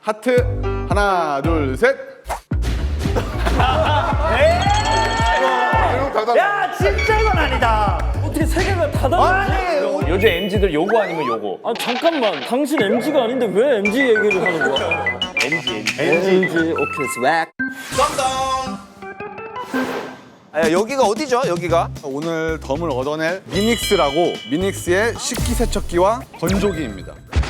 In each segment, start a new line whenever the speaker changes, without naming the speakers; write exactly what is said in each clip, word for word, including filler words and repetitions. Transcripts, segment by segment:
하트. 하나, 둘, 셋.
야 진짜 이건 아니다.
어떻게 세 개가 다 다르지?
요즘 엠지들 요거 아니면 요거.
아 잠깐만, 당신 엠지가 아닌데 왜 엠지 얘기를 하는 거야?
엠지 엠지.
엠지 오케이 스웩.
아, 여기가 어디죠? 여기가?
오늘 덤을 얻어낼 미닉스라고 미닉스의 식기세척기와 건조기입니다.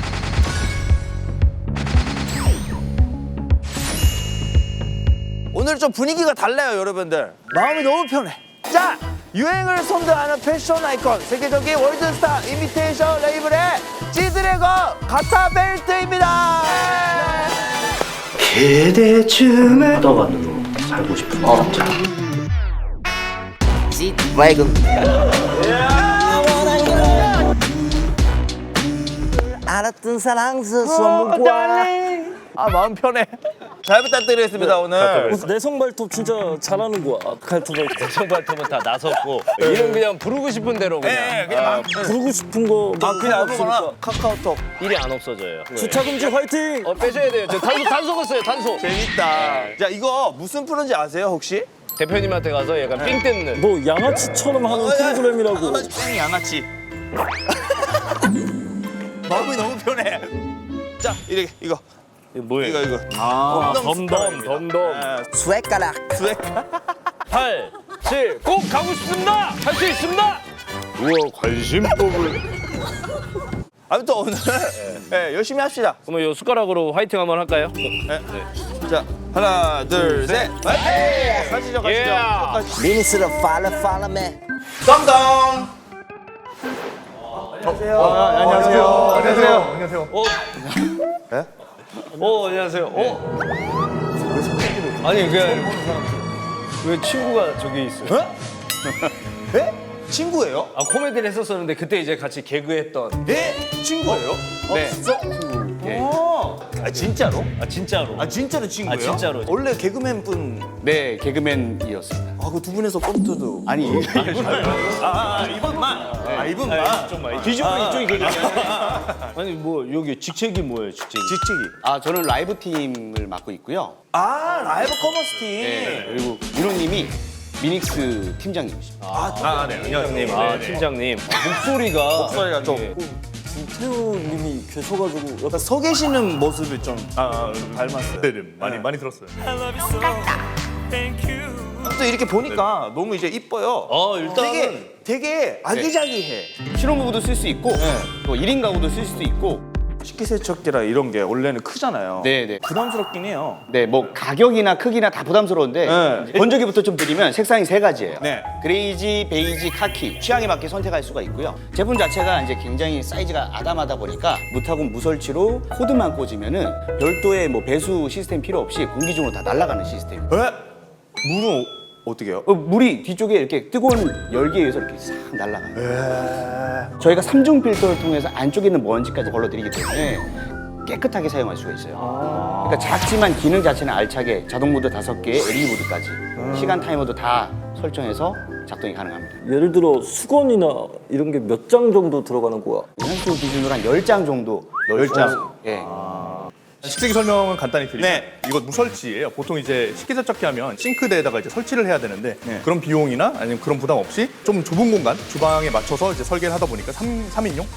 오늘 좀 분위기가 달라요, 여러분들. 마음이 너무 편해. 자, 유행을 선도하는 패션 아이콘, 세계적인 월드스타 이미테이션 레이블의 지드래곤 가타 벨트입니다.
그대춤을 떠가지고 살고 싶은 남자.
지드래곤. 알았던 사랑스 선물과 아 마음 편해. 잘 부탁드리겠습니다 오늘.
내성 발톱 진짜 잘하는 거야. 칼톱 발톱.
대청 발톱은 다 나섰고 이름 그냥 부르고 싶은 대로 그냥.
네, 그냥 막
부르고 싶은 거.
아 그냥 아무거나
없으니까.
카카오톡.
일이 안 없어져요.
주차 금지 화이팅.
어 빼셔야 돼요. 저 단소 단소 갔어요. 단소.
재밌다. 자 이거 무슨 프로인지 아세요 혹시?
대표님한테 가서 약간 삥 뜯는.
뭐 양아치처럼 하는 프로그램이라고.
뺑 양아치. 마음이 너무 편해. 자 이렇게 이거
이거 뭐예요?
이거 이거.
아,
덤덤
덤덤 덤덤.
스웨가락. 스웨.
팔, 칠, 꼭 가고 싶습니다. 할 수 있습니다. 우와 관심법을.
아무튼 오늘 네, 열심히 합시다.
그러면 요 숟가락으로 화이팅 한번 할까요?
네. 자 하나 둘 셋. 화이팅! 가시죠 가시죠.
예.
가시죠.
미니스로 팔로 팔로 매
덤덤.
안녕하세요. 안녕하세요. 안녕하세요.
어?
예?
어 안녕하세요. 어? 아니 그냥 왜 친구가 저기 있어요?
예? 친구예요?
아 코미디를 했었었는데 그때 이제 같이 개그했던.
예? 친구예요?
네. 예.
어. 아 진짜로?
아 진짜로.
아 진짜로 친구예요?
아, 진짜로.
원래 개그맨 분.
네, 개그맨이었습니다.
아 그 두 분에서 꽁트도.
아니,
아, 아 이분만. 아 이분만.
아, 이쪽만. 뒤집으면 이쪽이 개그맨. 아니 뭐 여기 직책이 뭐예요 직책이?
지치기.
아, 저는 라이브 팀을 맡고 있고요.
아 라이브 커머스 팀.
네, 그리고 윤호님이 미닉스 팀장님이십니다.
아, 네. 팀장님. 아, 팀장님. 목소리가
목소리가 좀.
예.
김태우님이 계셔가지고
약간 서 계시는 모습이 좀
아,
닮았어요.
네, 네, 많이 많이 들었어요.
또 이렇게 보니까 너무 이제 이뻐요.
어, 일단은
되게 되게 아기자기해.
신혼부부도 쓸 수 있고, 또 일 인 가구도 쓸 수도 있고,
식기세척기라 이런 게 원래는 크잖아요.
네, 네.
부담스럽긴 해요.
네, 뭐 가격이나 크기나 다 부담스러운데
네.
건조기부터 좀 드리면 색상이 세 가지예요.
네.
그레이지, 베이지, 카키 취향에 맞게 선택할 수가 있고요. 제품 자체가 이제 굉장히 사이즈가 아담하다 보니까 무타고 무설치로 코드만 꽂으면은 별도의 뭐 배수 시스템 필요 없이 공기 중으로 다 날아가는 시스템.
에? 물은 어떻게 해요?
어, 물이 뒤쪽에 이렇게 뜨거운 열기에 의해서 이렇게 싹 날아가요. 저희가 삼중 필터를 통해서 안쪽에 있는 먼지까지 걸러드리기 때문에 깨끗하게 사용할 수가 있어요. 그러니까 작지만 기능 자체는 알차게 자동 모드 다섯 개에 엘이디 모드까지 시간 타이머도 다 설정해서 작동이 가능합니다.
예를 들어 수건이나 이런 게 몇 장 정도 들어가는 거야?
연수 기준으로 한 열 장 정도
열 장?
예.
식세기 설명은 간단히 드리면
네.
이거 무설치예요. 보통 이제 식기세척기 하면 싱크대에다가 이제 설치를 해야 되는데
네.
그런 비용이나 아니면 그런 부담 없이 좀 좁은 공간 주방에 맞춰서 이제 설계를 하다 보니까 삼, 삼인용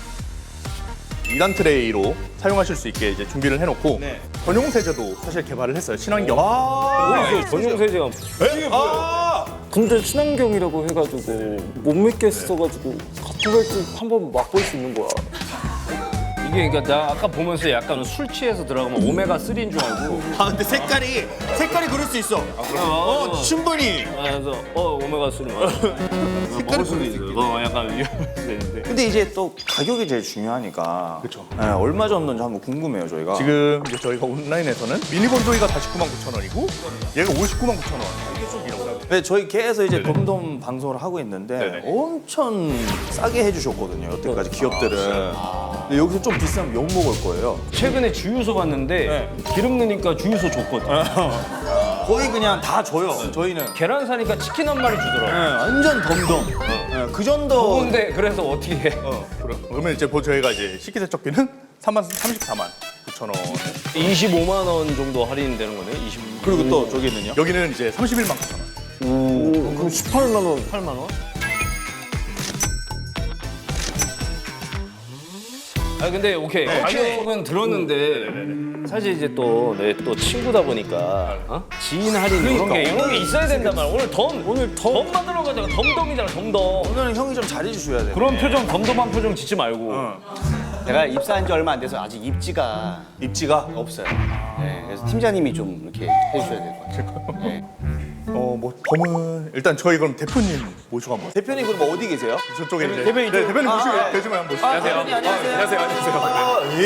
이 단 트레이로 사용하실 수 있게 이제 준비를 해놓고
네.
전용 세제도 사실 개발을 했어요. 친환경.
아,
전용 세제가
아,
근데 친환경이라고 해가지고 못 믿게 써가지고 같은 걸지 한번 맛볼 수 있는 거야.
이게 그러니까 나 아까 보면서 약간 술 취해서 들어가면 오메가 쓰리인 줄 알고.
아 근데 색깔이 색깔이 그럴 수 있어. 어 충분히.
아, 그래서 어 오메가 쓰리 맞아. 먹을 수도 있어. 어 약간 위험할 수 있는데.
근데 이제 또 가격이 제일 중요하니까.
그쵸.
네, 얼마 정도인지 한번 궁금해요 저희가.
지금 이제 저희가 온라인에서는 미니 건조기가 사십구만 구천 원이고 얘가 오십구만 구천 원. 이게 좀 이라고 하고.
네, 저희 계에서 이제
네네.
덤덤 방송을 하고 있는데
네네.
엄청 싸게 해주셨거든요 여태까지 기업들은. 근데 여기서 좀 비싸면 욕 먹을 거예요.
최근에 주유소 봤는데 기름 넣으니까 주유소 줬거든.
거의 그냥 다 줘요. 저희는.
계란 사니까 치킨 한 마리
네,
주더라고.
완전 덤덤. 네, 그 정도.
근데 그래서 어떻게 해?
어, 그럼- 그러면 이제 보- 저희가 이제 식기세척기는 삼만 삼십사만 구천 원.
이십오만 원 정도 할인되는 거네요. 이십.
그리고 또 저기는요?
여기는 이제 삼십일만 구천 원.
그럼 십팔만 원.
팔만 원? 아 근데 오케이 가격은 들었는데 사실 이제 또 내 또 친구다 보니까 어? 지인 할인 이런 게 이런 게 있어야 된단 말이야. 오늘 덤 오늘 덤 만들어 가자고 덤덤이잖아 덤덤.
오늘은 형이 좀 잘해주셔야 돼.
그런 표정 덤덤한 표정 짓지 말고.
제가 입사한 지 얼마 안 돼서 아직 입지가
입지가
없어요. 네, 그래서 팀장님이 좀 이렇게 해주셔야 될 것 같아요. 네.
어뭐 덤은 일단 저희 그럼 대표님 모시고 한번.
대표님 그럼 어디 계세요?
저쪽에 이제
대표님
네,
좀-
대표님
아,
모시고
아,
대표님 한번 모시고.
안녕하세요. 안녕하세요.
안녕하세요. 안녕하세요.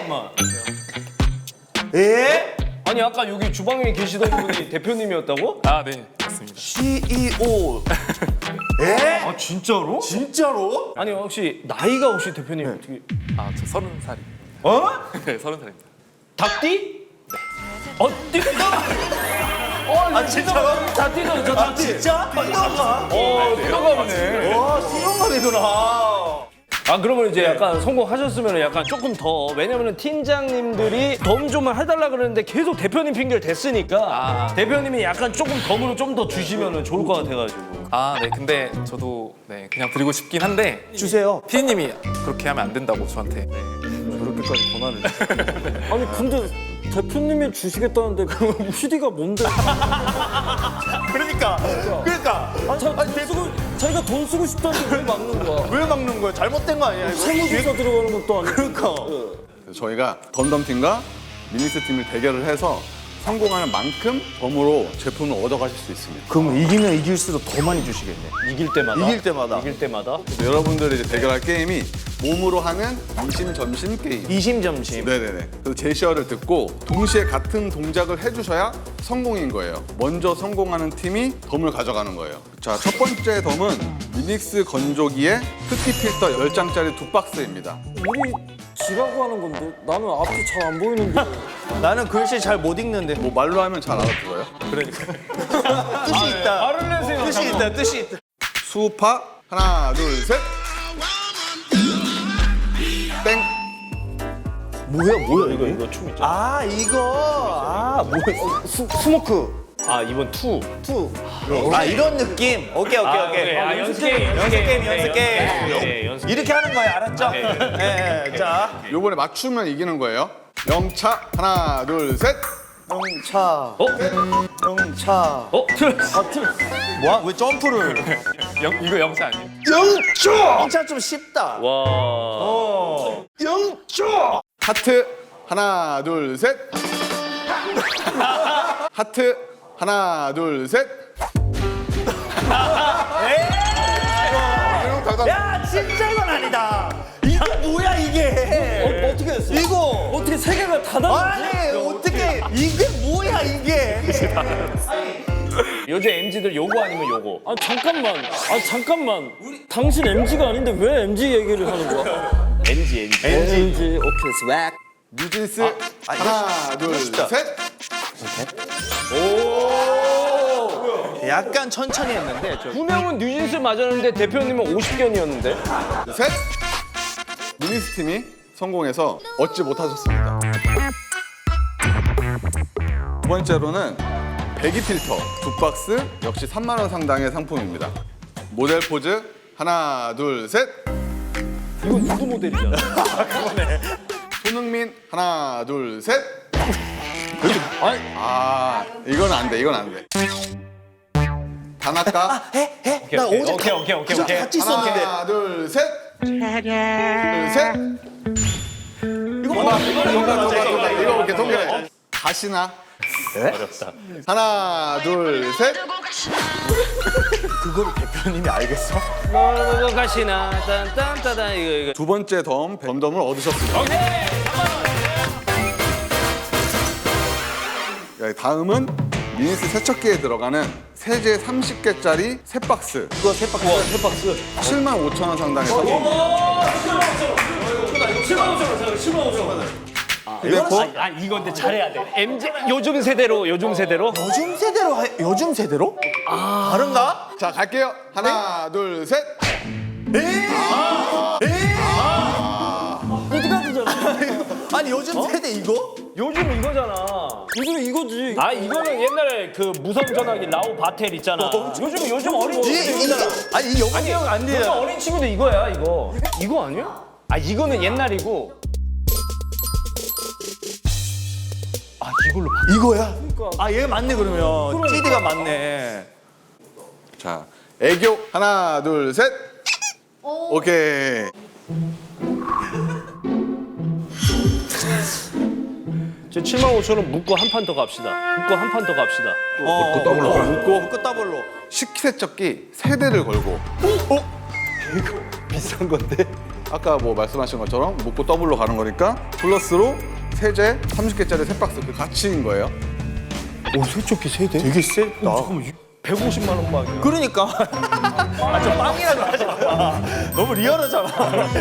예? 예?
아니 아까 여기 주방에 계시던 분이 대표님이었다고?
아, 네, 맞습니다.
씨이오. 예?
아 진짜로?
진짜로?
아니 혹시 나이가 혹시 대표님 어떻게?
아, 저 서른 살이.
어?
네, 서른 살입니다.
닭띠? 어 띠가? 어, 아 진짜로? 닭띠도 저
아
닭띠.
진짜? 띠가?
어 띠가 없네.
와 수영감이구나.
아 그러면 이제 약간 성공하셨으면 약간 조금 더 왜냐면은 팀장님들이 덤 좀 해달라 그러는데 계속 대표님 핑계를 댔으니까
아.
대표님이 약간 조금 덤으로 좀 더 주시면은 좋을 것 같아가지고.
아, 네, 근데 저도 네 그냥 드리고 싶긴 한데
주세요.
피디님이 그렇게 하면 안 된다고 저한테. 네.
저렇게까지 권한을. 아니 근데 대표님이 주시겠다는데 그 피디가 뭔데?
그러니까. 그러니까.
아, 자, 돈 쓰고 자기가 돈 쓰고 싶다는데 왜 막는 거야?
왜 막는 거야? 잘못된 거 아니야? 이거?
세무조사 들어가는 것도 아니고.
그러니까.
그래서 저희가 덤덤팀과 미닉스 팀을 대결을 해서 성공하는 만큼 덤으로 제품을 얻어가실 수 있습니다.
그럼 이기면 이길수록 더 많이 주시겠네.
이길 때마다.
이길 때마다.
이길 때마다.
여러분들이 이제 대결할 게임이 몸으로 하는 이심점심 게임.
이심점심.
네네네. 그래서 제시어를 듣고 동시에 같은 동작을 해주셔야 성공인 거예요. 먼저 성공하는 팀이 덤을 가져가는 거예요. 자, 첫 번째 덤은 미닉스 건조기에 흡기 필터 열 장짜리 두 박스입니다.
우리 지라고 하는 건데 나는 앞이 잘 안 보이는데.
나는 글씨 잘 못 읽는데.
뭐 말로 하면 잘 알아들어요.
뜻이 있다.
말을 내세요.
뜻이 있다. 뜻이 있다.
수파 하나 둘 셋. 땡.
뭐야 뭐야 이거?
이거 춤 있잖아.
아 이거. 아 뭐야? 스, 스모크.
아 이번 투.
투. 아 이런 느낌. 오케이 오케이 오케이.
아 연습 게임.
연습 게임 연습 게임.
네, 연습.
이렇게 하는 거예요, 알았죠? 네. 네. 자,
요번에 맞추면 이기는 거예요. 영차 하나 둘 셋.
영차.
어?
영차.
어? 틀렸어. 아, 틀렸어.
뭐야? 왜 점프를?
영, 이거 영차 아니에요?
영차. 영차 좀 쉽다.
와.
어. 영차.
하트 하나 둘 셋. 하트 하나 둘 셋.
야, 진짜 이건 아니다. 이게 뭐야 이게?
어, 어떻게 했어?
이거
어떻게 세 개가 다 다른지?
아니 어떻게 이게 뭐야 이게?
요즘 엠지들 요거 아니면 요거.
아 잠깐만. 아 잠깐만. 당신 엠지가 아닌데 왜 엠지 얘기를 하는 거야?
엠지 엠지.
엠지. 오케이 스웩.
뉴진스 하나 둘 셋.
약간 천천히 했는데 저.
두 명은 뉴진스 맞았는데 대표님은 오십 견이었는데.
셋. 미닉스 팀이 성공해서 얻지 못하셨습니다. 두 번째로는 배기 필터 두 박스 역시 삼만 원 상당의 상품입니다. 모델 포즈 하나 둘 셋.
이건 누구 모델이잖아.
손흥민 하나 둘 셋. 아니, 아 이건 안 돼. 이건 안 돼. 다나카
해 해. 나 어제
오케이 오케이 오케이 오케이.
같이 있었는데.
하나 둘 셋. 둘 셋.
이거
동가
뭐야?
동가 동가 동가 이거 이렇게 동가. 다시나.
어렵다.
하나 둘 셋.
그거를 대표님이 알겠어?
뭐 가시나 딴딴따단 이거 이거.
두 번째 덤 덤덤을 얻으셨습니다. 야, 다음은 미니스 세척기에 들어가는 세제 삼십 개짜리 세 박스.
그거 세 박스.
와, 세 박스.
칠만 오천 원 상당의 상품.
칠만 오천 원, 칠만 오천 원.
그리고
아 이거 근데 잘해야 돼. 엠지 요즘 세대로 요즘 세대로.
요즘 세대로 하, 요즘 세대로? 아 다른가?
자 갈게요. 하나 둘 셋.
어디가 되잖아.
아니 요즘 세대 이거?
요즘 이거잖아.
요즘 이거지.
아 이거는 옛날에 그 무선 전화기 라오 바텔 있잖아. 요즘 요즘 어린
이, 이,
친구들
아니 이 영웅이
아니
형안
요즘
돼요.
어린 친구들 이거야 이거. 이거 아니야? 아 이거는 옛날이고. 아 이걸로 바...
이거야? 아 얘 맞네 그러면. 씨디가 맞네.
자, 애교 하나, 둘, 셋. 오케이.
저 칠만 오천 원 묶고 한 판 더 갑시다. 묶고 한 판 더 갑시다.
어,
더블로
어,
묶고.
묶고 더블로.
식기세척기 세대를 걸고.
비싼 건데.
아까 뭐 말씀하신 것처럼 묶고 더블로 가는 거니까 플러스로 세제 삼십 개짜리 세 박스 그 가치인 거예요.
오 세척기 세대? 되게 세다.
백오십만 원 빵이야.
그러니까. 아 저 빵이라고 하지 마. 너무 리얼하잖아.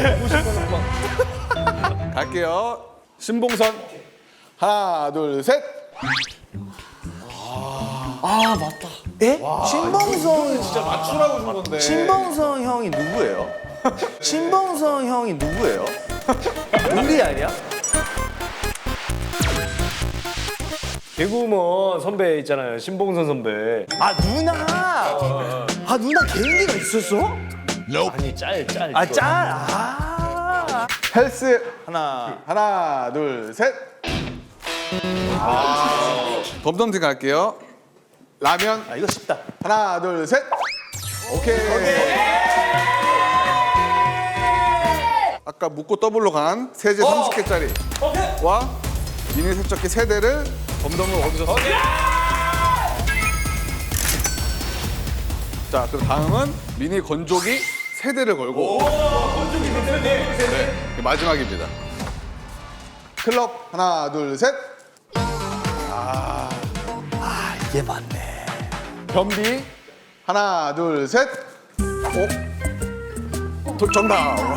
갈게요. 신봉선 하나, 둘, 셋.
예? 신봉성
진짜 맞추라고 준 건데.
신봉성 형이 누구예요? 신봉성 형이 누구예요? 우리 아니야?
개구먼 선배 있잖아요. 신봉선 선배.
아 누나. 아 누나 개인기가 있었어?
아니 짤 짤.
아 짤. 아.
헬스
하나.
하나, 둘, 셋. 아, 덤덤팀 갈게요. 라면
아 이거 쉽다.
하나, 둘, 셋. 오케이. 아까 묶고 더블로 간 세제 삼십 개짜리와 미니 세척기 세대를 덤덤을 얻으셨습니다. 자, 그럼 다음은 미니 건조기 세대를 걸고. 네, 마지막입니다. 클럽 하나, 둘, 셋.
이게 맞네.
변비 하나, 둘, 셋. 오, 도, 정답.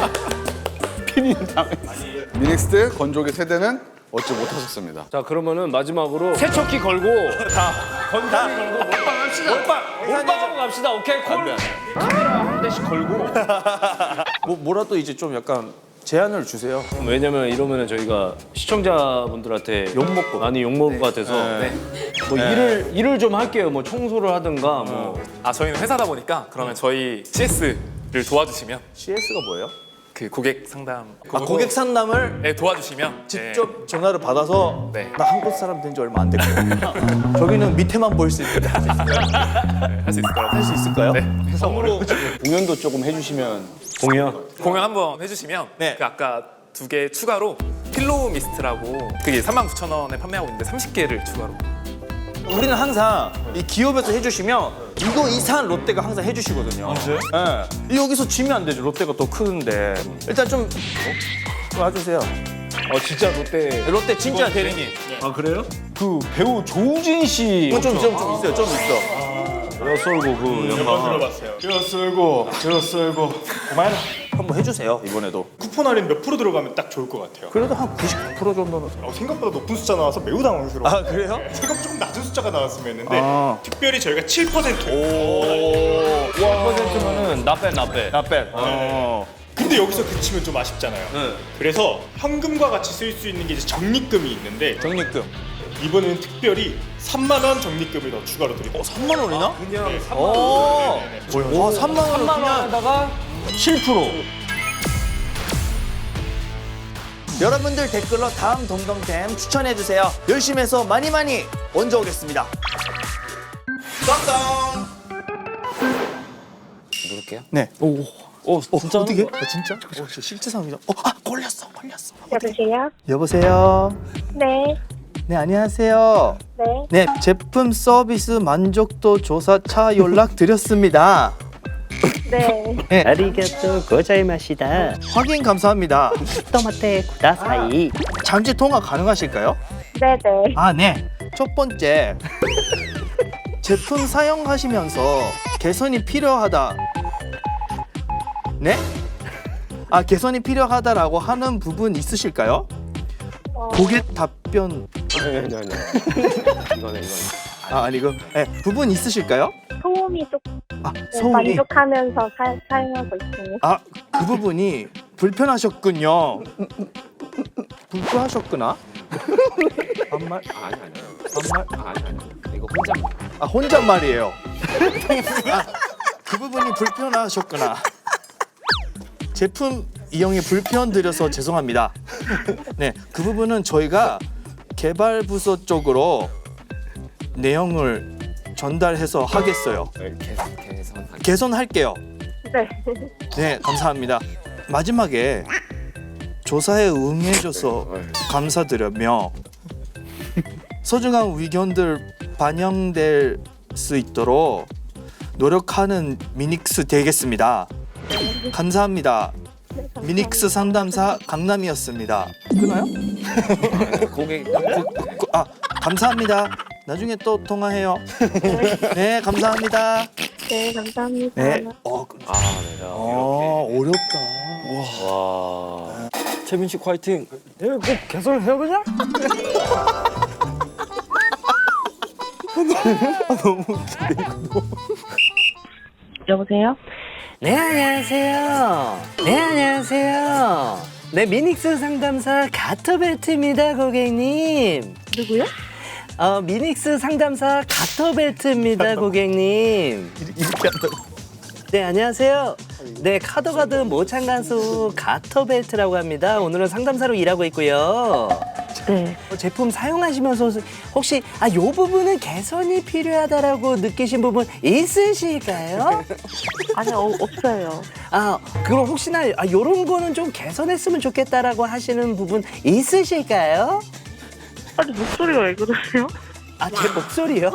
미닉스트 건조기 세대는 얻지 못하셨습니다.
자 그러면은 마지막으로 세척기 걸고 자 건조기 걸고 몰빵 합시다. 몰빵 몰빵하고 갑시다. 오케이 콜.
안 돼, 안 돼.
카메라 한 대씩 걸고.
뭐 뭐라도 이제 좀 약간 제안을 주세요.
왜냐면 이러면은 저희가 시청자분들한테 욕 먹고 많이 욕 먹을 것 같아서 뭐 일을 일을 좀 할게요. 뭐 청소를 하든가 뭐.
아 저희는 회사다 보니까 그러면 저희 씨에스를 도와주시면
씨에스가 뭐예요?
그 고객 상담
아 고객 상담을
네, 도와주시면
직접 전화를 받아서
네.
나 한국 사람 된 지 얼마 안 됐고 저기는 밑에만 보일 수 있는데 할 수 있을까요?
할 수 있을 거라고
할 수 있을까요?
네.
성으로
공연도 조금 해주시면
공연.
공연 한번 해주시면
네.
그 아까 두 개 추가로 필로우 미스트라고 그게 삼만 구천 원에 판매하고 있는데 삼십 개를 추가로
우리는 항상 이 기업에서 해주시면 이거 이상한 롯데가 항상 해주시거든요. 아, 진짜요? 네. 여기서 지면 안 되죠. 롯데가 더 크는데. 일단 좀 어, 와주세요.
어 진짜 롯데.
롯데 진짜 대리님.
아 그래요? 그 배우 조우진 씨.
이거 좀, 좀, 좀 있어요. 좀 있어.
썰고 그 영화.
한번 해주세요. 이번에도.
쿠폰 할인 몇 프로 들어가면 딱 좋을 것 같아요.
그래도 한 구십 퍼센트 정도는.
어, 생각보다 높은 숫자 나와서 매우 당황스러워요.
아 그래요?
생각 조금 낮은 숫자가 나왔으면 했는데
아.
특별히 저희가 칠 퍼센트.
오. 십 퍼센트면은 나빼 나빼.
나빼. 어.
근데 여기서 그치면 좀 아쉽잖아요. 그래서 현금과 같이 쓸 수 있는 게 이제 적립금이 있는데
적립금.
이번에는 특별히 삼만 원 적립금을 더 추가로 드립니다.
어, 삼만 원이나?
그냥
오.
네네네.
와, 삼만 원을
삼만
그냥.
원에다가 칠 퍼센트.
여러분들 댓글로 다음 덤덤템 추천해주세요. 열심히 해서 많이 많이 얹어오겠습니다. 덤덤.
누를게요.
네. 오.
오 진짜
어떻게? 어, 진짜? 어, 실제 상황이죠. 어, 아, 걸렸어, 걸렸어.
여보세요?
여보세요.
네,
네, 안녕하세요.
네.
네, 제품 서비스 만족도 조사차 연락 드렸습니다.
네.
네,
아리가또 고자이마시다.
확인 감사합니다.
토마테 쿠다사이.
잠시 통화 가능하실까요?
네네.
아, 네. 첫 번째. 제품 사용하시면서 개선이 필요하다. 네? 아, 개선이 필요하다라고 하는 부분 있으실까요?
어,
고객 답변.
아니 아니 아니. 이거네 이거네.
아, 아니고. 네, 부분 있으실까요?
소음이 조금
아, 소음이.
만족하면서 사, 사용하고 있습니다.
아, 그 부분이 불편하셨군요.
불구하셨구나. 반말?
아니 아니.
반말?
아니 아니. 이거 혼자.
아 혼잣말이에요. 아, 그 부분이 불편하셨구나. 제품 이용에 불편 드려서 죄송합니다. 네, 그 부분은 저희가 개발 부서 쪽으로 내용을 전달해서 하겠어요.
개선 개선.
개선할게요.
네.
네, 감사합니다. 마지막에 조사에 응해줘서 감사드리며 소중한 의견들 반영될 수 있도록 노력하는 미닉스 되겠습니다. 감사합니다. 미닉스 상담사 강남이었습니다. 끊어요?
고객.
고- 아, 감사합니다. 나중에 또 통화해요. 네, 감사합니다.
네, 감사합니다.
네. 어,
아 내가.
아, 어렵다.
와.
채민 씨 화이팅. 내가 꼭 개설해요 그냥?
여보세요?
네 안녕하세요. 네 안녕하세요. 네 미닉스 상담사 가터벨트입니다 고객님.
누구요?
어 미닉스 상담사 가터벨트입니다 고객님.
이렇게 한다고.
네 안녕하세요. 네 카더가드 모창 가수 가터벨트라고 합니다. 오늘은 상담사로 일하고 있고요.
네.
어, 제품 사용하시면서 혹시 아 요 부분은 개선이 필요하다라고 느끼신 부분 있으실까요?
아니, 어, 없어요.
아 그럼 혹시나 아 요런 거는 좀 개선했으면 좋겠다라고 하시는 부분 있으실까요?
아니, 목소리가 왜 그러세요?
아 제 목소리요?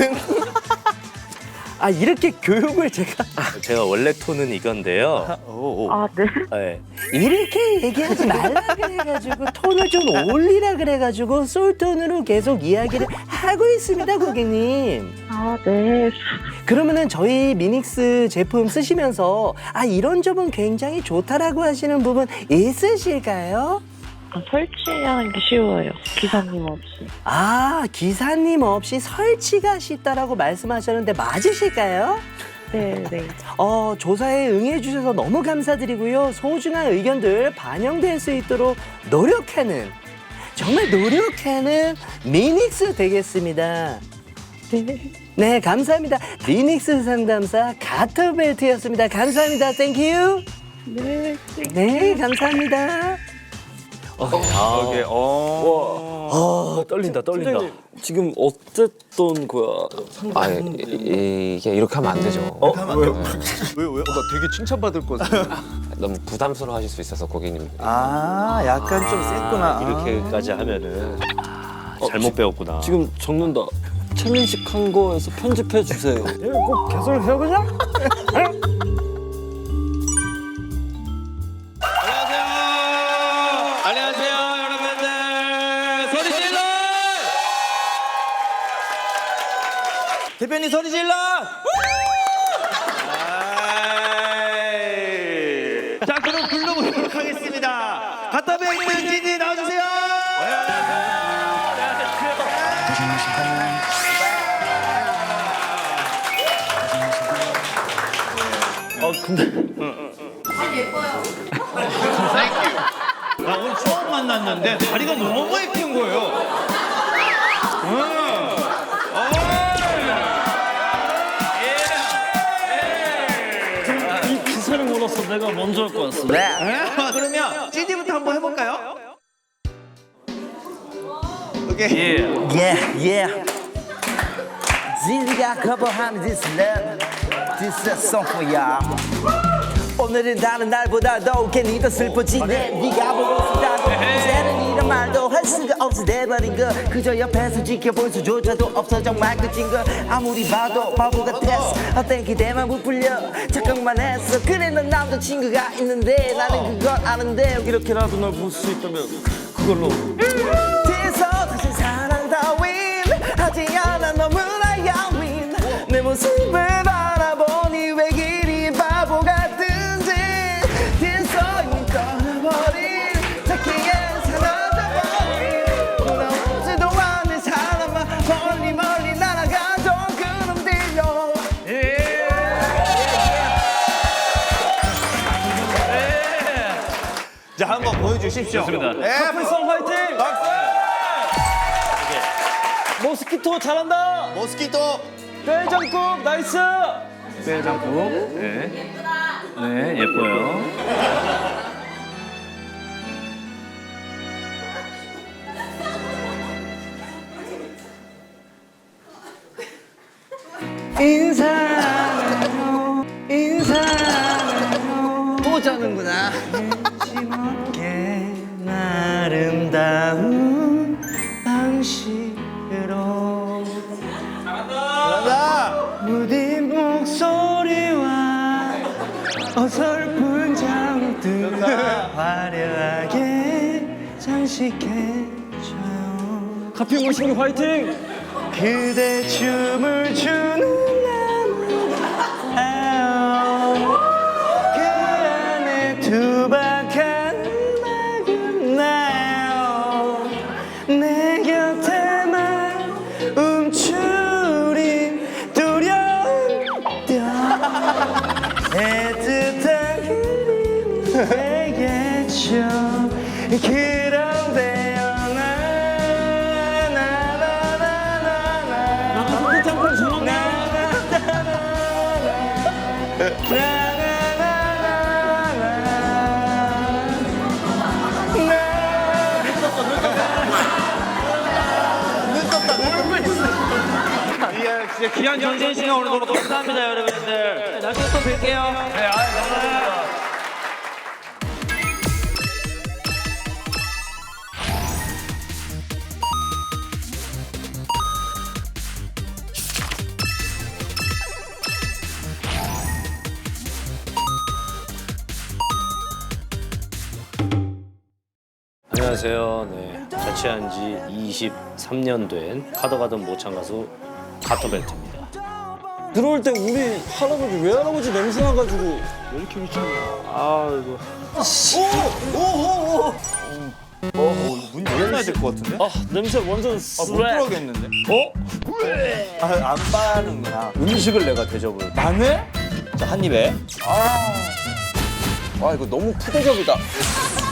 아 이렇게 교육을 제가 제가 원래 톤은 이건데요.
아, 네.
네. 이렇게 얘기하지 말라 그래가지고 톤을 좀 올리라 그래가지고 솔톤으로 계속 이야기를 하고 있습니다 고객님.
아, 네.
그러면은 저희 미닉스 제품 쓰시면서 아 이런 점은 굉장히 좋다라고 하시는 부분 있으실까요?
아, 설치하는 게 쉬워요. 기사님 없이.
아 기사님 없이 설치가 쉽다라고 말씀하셨는데 맞으실까요?
네, 네.
어, 조사에 응해주셔서 너무 감사드리고요. 소중한 의견들 반영될 수 있도록 노력하는, 정말 노력하는 미닉스 되겠습니다.
네.
네, 감사합니다. 미닉스 상담사 가터벨트였습니다. 감사합니다. 땡큐.
네.
네, 감사합니다. 어, 아,
이게 어.
어, 떨린다, 떨린다.
선생님, 지금 어쨌던 거야?
아, 이, 이게 이렇게 하면 안 되죠.
어? 왜? 왜 왜?
나 되게 칭찬받을 것 같아.
너무 부담스러워 하실 수 있어서 고객님.
아, 약간 좀 셌구나.
이렇게까지 하면은 아, 잘못 배웠구나.
지금 적는다. 채민 씨 한 거에서 편집해 주세요. 내가 꼭 개설해요 그냥?
안녕하세요, 여러분들. 소리 질러!
대표님 소리 질러! 자, 그럼 불러보도록 하겠습니다. 가타베이트 지지 나와주세요.
아 근데
나 오늘 처음 만났는데 다리가 너무 예쁜 거예요.
이 기사를 몰라서 내가 먼저 할 거였어.
네. 그러면 지지부터 한번 해볼까요? 오케이.
Yeah, yeah. 지지가 커버하는 this love, this is a song for ya. 오늘은 다른 날보다 더 괜히 더 슬퍼지네. 네가 보고 싶다고 이제는 이런 말도 할 수가 없어 돼버린 거. 그저 옆에서 지켜볼 수조차도 없어 정말 끝인 거. 아무리 봐도 바보 같았어. 어떤 기대만 부풀려 착각만 했어. 그래 넌 남자친구가 있는데 나는 그걸 아는데
이렇게라도 널 볼 수 있다면 그걸로.
뒤에서 다시 사랑 따윈 하지 않아 너무나 야윈. 내 모습을 바라보니 왜 이리 바보 같은지. 뒤에서 이미 떠나버린 자기의 사라져버린 돌아오지도 않는 사람만 멀리 멀리 날아가던 그놈 들려.
자, 한번 보여주십시오.
좋습니다.
네,
카프성 화이팅!
박수!
모스키토 잘한다!
모스키토.
뼈장국 나이스!
뼈장국. 네. 네, 예뻐요.
인사해요 인사해요
또 자는구나.
게 아름다운 방식으로
잘한다.
무딘 목소리와 어설픈 장들 화려하게 장식해줘요.
카피 모신기 화이팅!
그대 춤을 추는 나무 그 안에 투박한 음악은 나요 내 곁에만 움츠린 두려운 뼈 애틋한 그림이 되겠죠 그런데요
짱짱 주먹
진짜 귀한 전쟁 시간 오늘 너무 감사합니다, 여러분들. 나중에 또 뵐게요. 네, 아, 감사합니다.
안녕하세요. 네. 자취한 지 이십삼 년 된 카더가든 모창 가수 가터벨트입니다.
들어올 때 우리 할아버지 외할아버지 냄새 나가지고 왜 이렇게 미쳤냐. 아 이거.
오오오오. 어, 문 열어놔야 될 것 같은데?
아 냄새 완전
아, 못
스웩.
들어가겠는데?
어?
아, 안 빠는구나.
음식을 내가 대접을.
마늘?
자, 한 입에.
아, 와 이거 너무 푸대접이다.